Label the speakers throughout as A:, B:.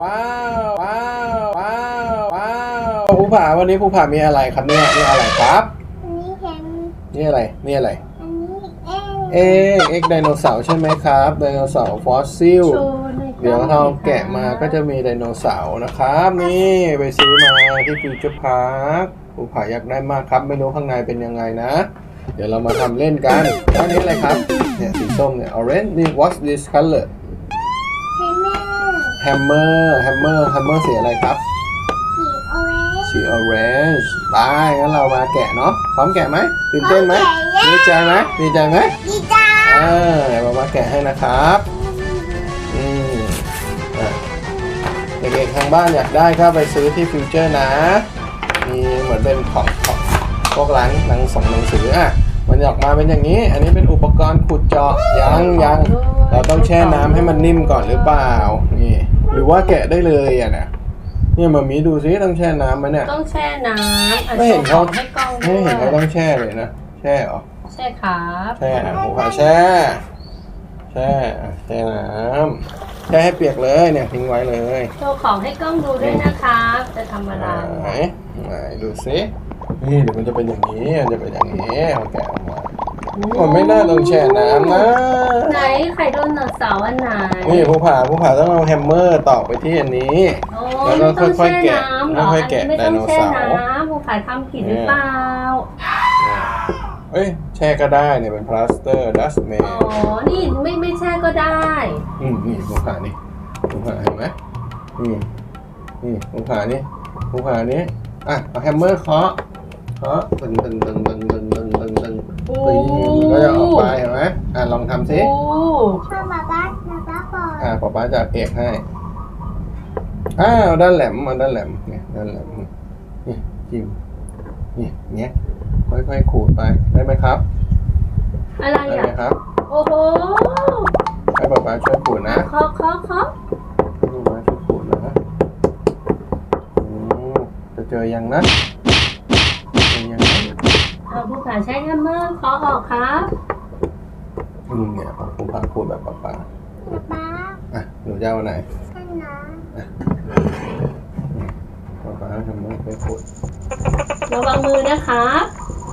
A: ว้าวว้าวว้าวว้าวภูผาวันนี้ภูผามีอะไรครับเนี่ยนี่อะไรครับ
B: อันนี้เห็น
A: นี่อะไรนี่อะไร
B: อันนี้
A: เอ็กไดโนเสาร์ใช่ไหมครับไดโนเสาร์ฟอสซิลเดี๋ยวเราแกะมาก็จะมีไดโนเสาร์นะครับนี่ไปซื้อมาที่ฟิวเจอร์พาร์คภูผาอยากได้มากครับไม่รู้ข้างในเป็นยังไงนะ เดี๋ยวเรามาทำเล่นกันอันนี้อะไรครับเนี่ยสีส้มเนี่ย orange นี่ what's this color
B: แฮมเมอร์
A: แฮมเมอร์สีอะไรครับ
B: สีออเรนจ์
A: สี orange ได้งั้นเรามาแกะเนาะพร้อมแกะไหมตื่นเต้นไหมดีใจไหมดีใจไหม
B: ดีใจ
A: เดี๋ยวมาแกะให้นะครับอ่ะเด็กๆทางบ้านอยากได้ก็ไปซื้อที่ฟิวเจอร์นะมีเหมือนเป็นของพวกร้านหนังสืออ่ะมันออกมาเป็นอย่างนี้อันนี้เป็นอุปกรณ์ขุดเจาะยังเราต้องแช่น้ำให้มันนิ่มก่อนหรือเปล่านี่หรือว่าแกะได้เลยอ่ะเนี่ยมามีดูซิต้องแช่น้ำไหมเนี่ย
C: ต้องแช่น้ำ
A: ไม่เห็นเขา
C: ให้กล้อง
A: ไม่เห็นเขาต้องแช่เลยนะแช่เหรอ
C: แช่ครับ
A: แช่หูขาแช่น้ำแช่ให้เปียกเลยเนี่ยทิ้งไว้เลย
C: โชว์ของให้กล้องดูด้วยนะครับจะทำอะไร
A: ไหนดูซินี่เดี๋ยวมันจะเป็นอย่างนี้มันจะเป็นอย่างนี้เอาแกะออกมามันไม่น่าต้องแช่น้ำนะ
C: ไหนไข่โดนเสาร์อันไหน
A: นี่ภูผาต้องเอาแฮมเมอร์ตอกไปที่อันนี้แล้วก็ค่อยๆแกะค่อยๆแกะไดโนเสาร์
C: ภูผาทำผิดหรือเปล่า
A: แช่ก็ได้เนี่ยเป็นพลาสเตอร์ดัสแมน
C: นี่ไม่แช่ก็ได้
A: นี่ภูผาเห็นไหมนี่ภูผานี่อ่ะเอาแฮมเมอร์เคาะตึงก็จะออกไปเห็นไหมลองทำซิ
B: ชอบมาบ้านก่อน
A: ป๊าจะเอกให้ด้านแหลมเนี่ยด้านแหลมนี่จิ้มนี่เนี้ยค่อยๆขูดไปได้ไหมครับ
C: อะไร
A: ได้ไหมครับ
C: โอ้โห
A: ให้ป๊าช่วยขูดนะ
C: เคาะ
A: ป๊าช่วยขูดนะจะเจอยังนะ
C: ภูผาใช้แฮมเมอร์เคาะออกครับ
A: เนี่ยภูผาขูดแบบป๊าหนูจะเอาไหนป๊าทำมือไปขูด
C: ระวังมือนะครับ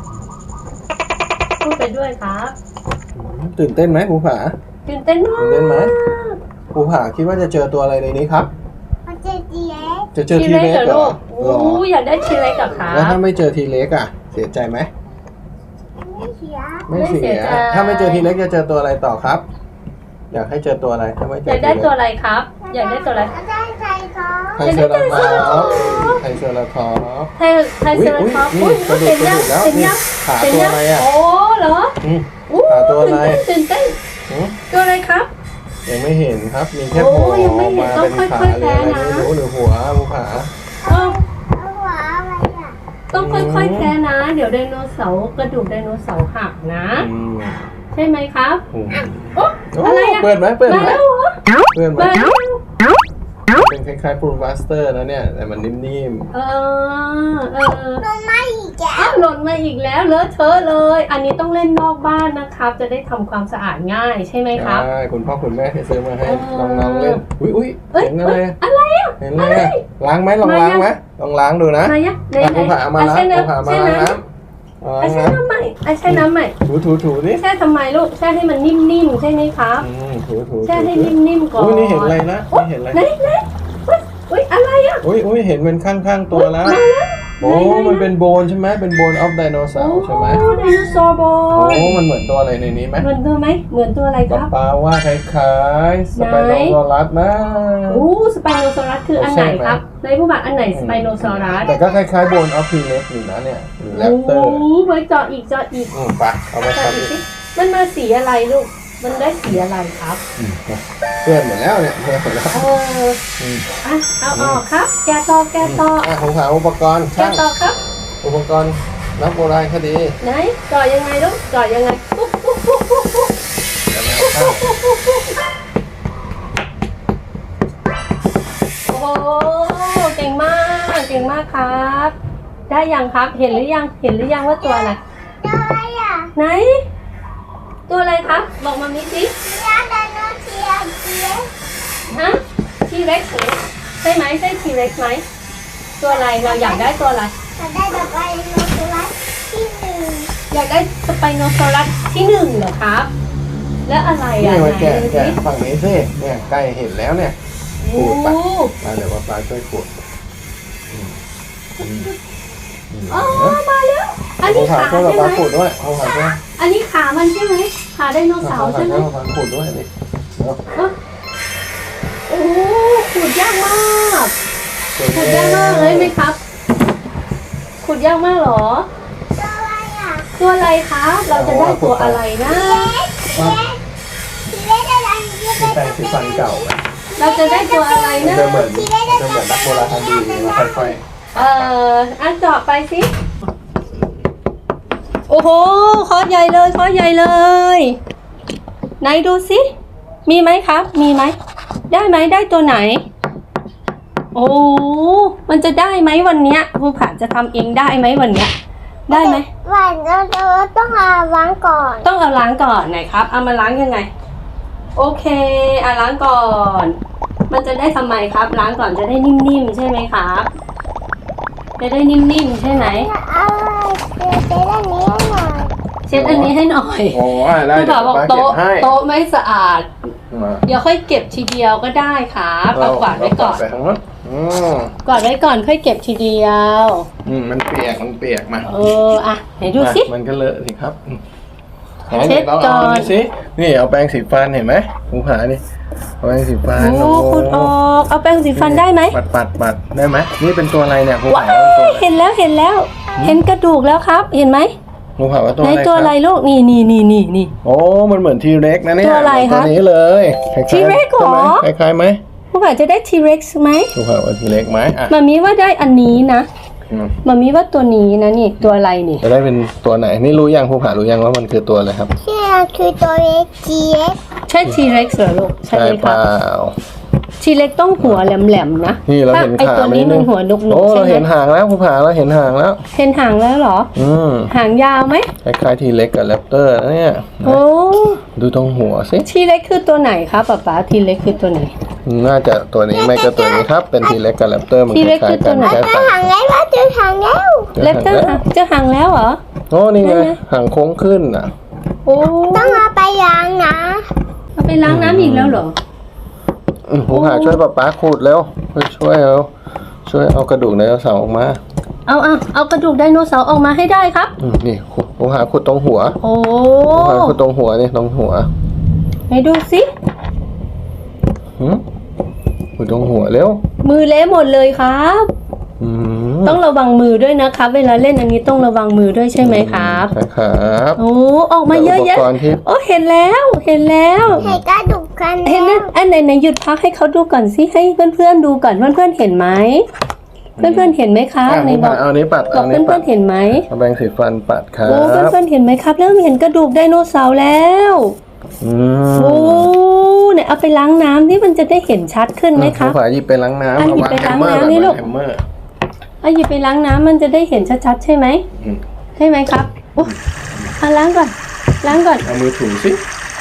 C: พูดไปด้วยครับ
A: ตื่นเต้นไหมภูผา
C: ตื่นเต้น
A: ไหมภูผาคิดว่าจะเจอตัวอะไรในนี้ครับจะเจอทีเล็กเหรอ
C: อยากได้ทีเล็กกับครับ
A: แล้วถ้าไม่เจอทีเล็กอ่ะเสียใจไหมไม่เสียถ้าไม่เจอทีเล็กจะเจอตัวอะไรต่อครับอยากให้เจอตัวอะไรถ้าไม่เจอ
C: อยากได้ตัวอะไรครับอยากได้ตัวอะไร
A: ไทเซอราทอปไทเซอราทอป
C: เห็นยัง
A: ขาตัวอะไรอ่ะ
C: โอ้เหรอ
A: ขาตัวอะไร
C: ตื่นเต้นตัวอะไรครับ
A: ยังไม่เห็นครับมีแค่หัวมาเป็นขาหรืออะไรไม่รู้หรือหัวภูผา
C: ต้องค่อยๆแท้นะเดี๋ยวไดโนเสาร์กระดูกไดโนเสาร์หักนะใช่ไหมครับ
A: อะไรเปิดไหมเป็นคล้ายๆปูนบัสเตอร์นะเนี่ยแต่มันนิ่ม
B: ๆหล่นมา
C: อีกแล้วเลอะเทอะเลยอันนี้ต้องเล่นนอกบ้านนะครับจะได้ทำความสะอาดง่ายใช่ไหมครับ
A: ใช่คุณพ่อคุณแม่ให้ซื้อมาให้น้องๆเล่นอุ้ยเห็นอะไรเห็นอะไรล้างไหมลองล้างไหมลองล้างดูนะภูผามาล้างน้ำ
C: ใช้น้ำใหม่
A: ถูดิ
C: แช่ทำไมลูกแช่ให้มันนิ่มๆใช่ไหมครับ
A: ถู
C: แช่ให้นิ่มๆก่อน
A: นี่เห็นอะไรนะเห็นอะไร
C: อุ้ยอะไรอ่ะ
A: อุ้ยเห็นเป็นข้างๆตัวแล้วมันเป็นโบนใช่ไหมเป็นโบนออฟไดโนเสาร์ใช่ไหม
C: ไดโนเสาร์โบน
A: มันเหมือนตัวอะไรในนี้ไหม
C: เหมือนตัวไหมเหมือนตัวอะไรครับ
A: ป้าว่าคล้ายๆสไปโนซอรัสนะ
C: สไปโนซอรัสคืออันไหนครับในผู้บักอันไหนสไปโนซอรัส
A: แต่ก็คล้ายๆโบนออฟทีเล็กอยู่นะเนี่ยหรือแรปเตอร์
C: ไว้เจาะอีก
A: ไปเอาไปครับ
C: มันมาสีอะไรลูกมันได้สีอะไรครับ
A: เพื่อนหมดแล้วเนี่ยเพื่อนหมดแล้ว
C: เอาออกครับแกะต่อ
A: ของหาอุปกรณ์
C: แกะต่อครับ
A: อุปกรณ์นักโบราณคดี
C: ไหนจ่อยังไงลูกจ่อยังไงโอ้เก่งมากครับได้ยังครับเห็นหรือยังว่าตัวอะไรไหนตัวอะไรครับบอกมามิสิฮะทีเล็กใช่ไหมใช่ทีเร็กไหมตัวอะไรเราอยากได้ตัวอะไร
B: จะได้แบบว่าโนตุรัสที่หนึ่ง
C: อยากได้สไปโนซอรัสที่1เหรอครับ แล้วอะไร
A: นี่
C: อ่ะ
A: มาแกะ
C: ไหนดู
A: แกะ
C: สิ
A: ฝั่งนี้สิเนี่ยใกล้เห็นแล้วเนี่ย
C: โอ้
A: มาเดี๋ยวป้าช่วยขูด
C: อ๋อมาแล้ว อันนี้
A: ผ่า
C: ขา
A: ช่วย
C: ใช่ไหม
A: ป้าขูดด้วยเอาผ่าช่วย
C: อันนี้ขามันใช่ไหมขาไดโนเสาร์ใช่ไหม
A: ป้าขูดด้วยนี่
C: โอ้ขูดยากมากขูดยากมากเลยไหมครับขูดยากมากเหรอ
B: ตัวอะไรอ่ะ
C: ตัวอะไรครับ เราจะได้ตัวอะไรนะ
B: ทีเล็กอะไรที
A: มี
B: เล็ก
A: แปรงสีฟันเก่าไหม
C: เราจะได้ตัวอะไร
A: มัน
C: นะ
A: จะเหมือนนักโบราณคดีมาค่อย
C: อันเจาะไปสิโอ้โหคอใหญ่เลยคอใหญ่เลยไหนดูสิมีไหมครับ มีไหมได้ไหมได้ตัวไหน โอ้มันจะได้ไหมวันเนี้ยครูผาจะทำเองได้ไหมวันเนี้ยได้ไหม
B: วันเราต้องเอาล้างก่อน
C: ต้องเอาล้างก่อนไหนครับเอามาล้างยังไงโอเคล้างก่อน มันจะได้ทำไมครับ ล้างก่อนจะได้นิ่มๆใช่ไหมครับจะได้นิ่มๆใช่ไหม
B: เอาเช็ดอันนี้ให้หน่อย
C: เช็ดอันนี้ให้หน่อย
A: ๆโอ้ได้
C: ครู
A: เดี๋ย
C: ผาว บอก
A: ป้าเก็บ
C: โต๊ะ
A: ให้
C: โต๊ะไม่สะอาด
A: มา
C: เดี๋ยวค่อยเก็บทีเดียวก็ได้ครับเอากวาดไว้ก่อน
A: ไปทางนู้น
C: กวาดไว้ก่อนค่อยเก็บทีเดียว
A: มันเปียกมา
C: อ่ะไหนดูสิ
A: มันก็เลอะสิครับ
C: เช็ดก่อน
A: นี่สินี่เอาแปรงสีฟันเห็นไหมผู้ผานี่เอาแปรงสีฟัน
C: โอ้คุณออกเอาแปรงสีฟันได้ไหม
A: ปัดได้ไหมนี่เป็นตัวอะไรเนี่ยผู้
C: ว้า
A: ผาว่าตัว
C: ยเห็นแล้วเห็นแล้ว เห็นกระดูกแล้วครับ เห็นไหม
A: ผู้ผาว่าตัว
C: ไหน
A: อะไร
C: ตัวอะไร
A: ครับ
C: ลูกนี่
A: โอ้มันเหมือนทีเร็กนะเนี่ย
C: ตัวอะไร
A: เหมือน
C: คะ
A: ตัวนี้เลยคล้ายๆ
C: T-Rex เหรอ
A: ใช่ไหมคล้ายๆไหม
C: ผู้ผ่าจะได้ทีเร็กซ์ไหม
A: ผู้ผาว่าทีเร็กไหมอ่ะ
C: มามีว่าได้อันนี้นะ มามีว่าตัวนี้นะนี่ตัวอะไรนี่
A: จะได้เป็นตัวไหนนี่รู้ยังผู้ผารู้ยังว่ามันคือตัวอะไรครับ
B: ที่เราคือตัวเล็กจีเอ็ก
C: ใช่ทีเร็กซ์เหรอลูกใช่ไหม
A: เป
C: ครับ
A: ล่า
C: ทีเร็กต้องหัวแหลมๆนะ
A: นี่เราเห็น
C: ไอ
A: ขา
C: ตัวนี้มันหัวนุก
A: โอ้
C: ๆใช่
A: เรา
C: ไหม
A: เห็นหางแล้วผู้ผาเราเห็นหางแล้ว
C: เห็นหางแล้วเหรอ หางยาวไหม
A: คล้ายๆทีเล็กกับแรปเตอร์นะเนี่ย
C: โอ้
A: ดูตรงหัวสิ
C: ทีเร็กคือตัวไหนครับป๊าทีเร็กคือตัวไหน
A: น่าจะตัวนี้ไม่ก็ตัวนี้ครับ เป็นทีเล็กกับแรปเตอร์มันค
C: T-Rex
A: ล้ายๆกัน
C: คือตัวไหน
A: แค่
B: จะ
A: ต่าง
B: หางแล้วว่าจะหางแล้ว
C: เล็บเจอหางแล้วเหรอ
A: โอ้นี่ไง
C: ได้ไหม
A: หางโค้งขึ้นอ่ะ
C: โอ้
B: ต้องเอาไปล้างนะ
C: เอาไปล้างน้ำอีกแล้วเหรอ
A: ผมหาช่วยป๊าขูดแล้วช่วยเอากระดูกไดโนเสาร์ออกมา
C: เอากระดูกไดโนเสาร์ออกมาให้ได้ครับ
A: นี่ผมหาขูดตรงหัว
C: โอ้
A: ผมหาขูดตรงหัวนี่ตรงหัว
C: ไหนดูสิ
A: ขูดตรงหัวเร็ว
C: มือเละหมดเลยครับ
A: อืม
C: ต้องระวังมือด้วยนะครับ เวลาเล่นอันนี้ต้องระวังมือด้วยใช่ไหมครับ
A: ใช่ครับ
C: โอ้ออกมาเยอะแยะ
A: อุปกรณ์ที่
C: โอ้เห็นแล้วเห็นแล้ว
B: ให้กระดูกกัน
C: เห็นนะอันไหนหยุดพักให้เขาดูก่อนสิให้เพื่อนๆดูก่อนเพื่อนๆเห็นไหมเพื่อนๆเห็นไหมครับใน
A: ผม
C: บอก
A: เอานี้ปัด
C: บอ
A: เอา
C: ก
A: นี้
C: เพื่
A: ปั
C: อ
A: ด
C: นๆเห็นไหม
A: เอาแบงสีฟันปัดครับ
C: โอ้เพื่อนๆเห็นไหมครับเริ่มเห็นกระดูกไดโนเสาร์แล้ว
A: อืม
C: โอ้เนี่ยเอาไปล้างน้ำนี่มันจะได้เห็นชัดขึ้นไหมคะ
A: ผู้ผาหยิบไปล้างน้ำ
C: อ่ะหยิบไปล้างน้ำนี่ลูก
A: แฮมเมอร์
C: เอาหยิบไปล้างน้ำมันจะได้เห็นชัดๆใช่ไหม
A: อืม
C: ใช่ไหมครับอุ๊ยเอาล้างก่อนล้างก่อน
A: เอามือถูสิ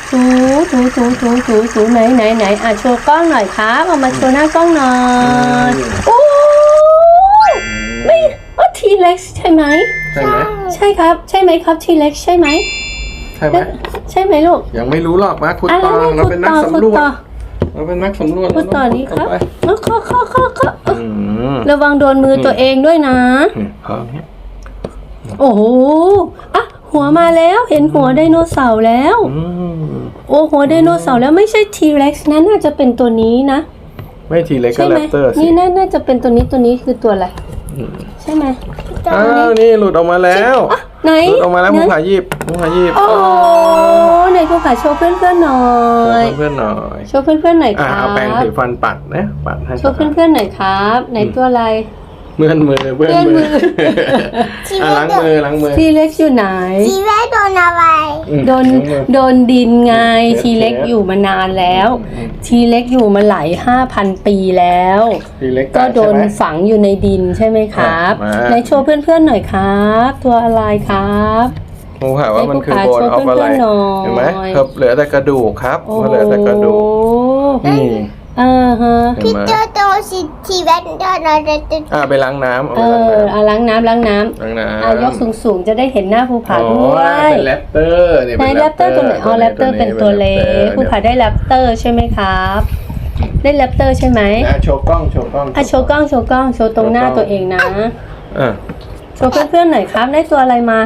C: ถูไหนอ่ะโชว์กล้องหน่อยครับเอามาโชว์หน้ากล้องหน่อยโอ้ไม่ว่าทีเล็กใช่ไหม
A: ใช่ไหม
C: ใช่ครับใช่ไหมครับทีเล็กใช่ไหม
A: ใช่ไหม
C: ใช่ไหมลูก
A: ยังไม่รู้หรอกมาขุด
C: อ่ะ
A: ต่อ
C: แล้ว
A: เราเป็นนักสำรวจ
C: ต่อ
A: เราเป็นนักสำรวจ
C: พูดต่อดีครับ
A: เาไป
C: ข้อ
A: อืม
C: ระวังโดนมือตัวเองด้วยนะ
A: พอเนี่ย
C: โอ้โหอ่ะหัวมาแล้วเห็นหัวไดโนเสาร์แล้ว
A: อืม
C: โอ้หัวไดโนเสาร์แล้วไม่ใช่ทีเร็กซ์นะน่าจะเป็นตัวนี้นะ
A: ไม่ทีเล็กก็
C: ใช่
A: แร
C: ไหม
A: ปเตอร์สิ
C: นี่น่าจะเป็นตัวนี้คือตัวอะไร
A: อืม
C: ใช่ไหม
A: อ้าวนี่หลุดออกมาแล้ว
C: ไหน
A: หลุดออกมาแล้ว
C: ไหน
A: ผู้ผาหยิบ
C: โอ้ไหนผู้ขาโชว์เพื่อนๆหน่อย
A: เพื่อนๆหน่อย
C: โชว์เพื่อนๆหน่อยค
A: อ่ะ
C: รั
A: เอาแปรง
C: บ
A: สีฟันปัดนะปัดให้
C: โชว์เพื่อนๆหน่อยครับไหนตัวอะไร
A: เพื่อนมือเพื่อน
C: เพื่อนมื
A: มื
C: อ
A: อ่ะล้างมือ
C: ทีเล็กอยู่ไหน
B: จีเอ็กโดนอะไร
A: อืม
C: โดน
A: ล้างมือ
C: โดนดินไง
A: เทป
C: ทีเล็กอยู่มานานแล้ว ทีเล็กอยู่มาหลาย 5,000 ปีแล้ว
A: ทีเล็ก
C: ก็โดน
A: ใช่ไหม
C: ฝังอยู่ในดินใช่ไหมครับ
A: อ่ะมา
C: ไหนโชว์เพื่อนๆหน่อยครับ ตัวอะไรครับ
A: ผู้ผาว่ามันคือโบนออฟอะไร
C: ให้ผู้ผาโชว์เพื่อนๆหน่อย
A: เห็นไหมครับเหลือแต่กระดูกครับ
C: โอ้
A: เหลือแต่กระดูก นี่
C: ฮะ
A: เห็น
B: พี่
A: ไหม
B: เจอโตสิทีแวนเดอร์เราจะติด
A: ไปล้างน้ำ
C: เออเอาล้างน้ำ
A: ล้างน้
C: ยกสูงๆจะได้เห็นหน้าภูผาด้วย
A: เป็นแรปเตอร์เนี่ย
C: ในแรปเตอร์ตัวไหนอ๋อแรปเตอร์เป็นตัวเล็กภูผาได้แรปเตอร์ใช่ไหมครับได้แรปเตอร์ใช่ไหม
A: โชว์กล้องโชว์กล้อง
C: โชว์กล้องโชว์ตรงหน้าตัวเองนะ โชว์เพื่อนๆหน่อยครับได้ตัวอะไรมา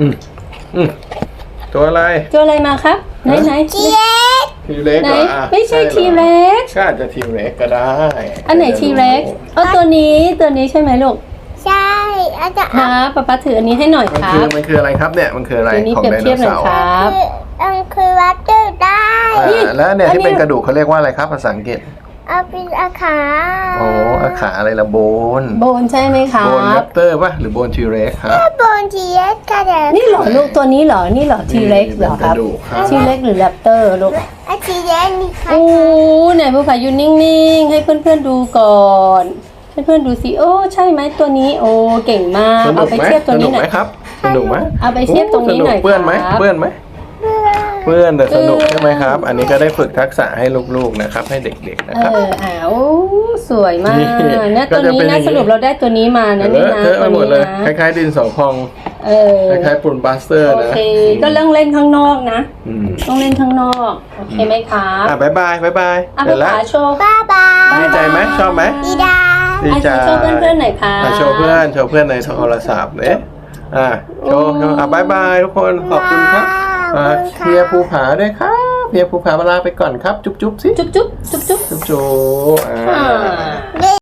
A: ตัวอะไร
C: ตัวอะไรมาครับไหน
B: ทีเล็ก
A: ทีเล็ก
C: ไหน
A: เหรอ
C: ไม่ใช่ทีเร็ก
A: ก็อาจจะทีเล็กก็ได้
C: อันไหนทีเร็กตัวนี้ใช่ไหมลูก
B: ใช่อาจจะ
C: ครับป๊าถืออันนี้ให้หน่อย
A: มัน
C: ครั
A: คือบ มันคืออะไรครับเนี่ยมันคืออะไร
C: ตัวนี้
A: ของ
C: เปรียบ
A: ได
C: เที
A: โน
C: ยบหน่อย
A: เสาร์
C: ครับ
B: คือวัดเดอร์ได้
A: แล้วเนี่ยที่เป็นกระดูกเขาเรียกว่าอะไรครับภาษาอังกฤษ
B: เอาเป็นอาขา
A: โอ้อาขาอะไรละโบน
C: โบนใช่ไหมครั
A: โบนแร
C: บ
A: ปเตอร์ป่ะหรือโบนทีเร็กครับ
B: โบนทีเล็กก็ได้
C: นี่เหรอลูกตัวนี้เหรอนี่เหรอทีเร็กเหรอครับ
A: เป็นกระดูกครับ
C: ทีเล็กหรือแรปเตอร์ลูก
B: ทีเล็กนี่ค่ะ
C: โอ้ไหนภูผาอยู่นิ่งๆให้เพื่อนๆดูก่อนให้เพื่อนๆดูสิโอ้ใช่ไหมตัวนี้โอ้เก่งมาก
A: สนุ
C: เอา
A: ก
C: ไป
A: ไหม
C: เทียบตัว
A: สนุ
C: นี้
A: ก
C: หน่
A: ไหม
C: อย
A: ครับสนุกไหม
C: เอาไปเทียบตรงนี้หน่อย
A: เปื้อนไหม
C: ครับ
A: เปื้อนไหมเปื้อนแต่สนุกใช่ไหมครับ อันนี้ก็ได้ฝึกทักษะให้ลูกๆนะครับให้เด็กๆนะครับ
C: สวยมาก
A: นี่
C: เนี่ยตัวนี้
A: ก็จะเป็นอ
C: นะ
A: ย่างนี้
C: สรุปเราได้ตัวนี้มานะนี่นะ
A: เทอะ
C: ตั
A: ไป
C: ว
A: หมด
C: นี้
A: เลย
C: นะ
A: คล้ายๆดินสอพอง
C: เออ
A: คล้ายๆปูนบาสเตอร์
C: โอ
A: นะ
C: เคก็เรื่องเล่นข้างนอกนะ
A: อืม
C: ต้องเล่นข้างนอกโอเคไหมครับ
A: บ๊ายบายบ๊ายบาย
C: อ่ะ
A: เสร็จ
C: ภา
A: แล้ว
C: ษาโชว์
B: บ้าบ้า
A: ดีใจไหมชอบไหม
B: ดีดา
A: ดีใจ
C: โชว์เพื่อนๆหน่อยค่ะ
A: โชว์เพื่อนในโทรศัพท์เนี่ยโชว์บ๊ายบายทุกคนขอบคุณครับเคลียร์ภูผาด้วยครับเคลียร์ภูผาลาไปก่อนครับจุ๊บๆสิ
C: จุ๊บจุ๊บจุ๊บจุ๊บ
A: จุ๊บๆ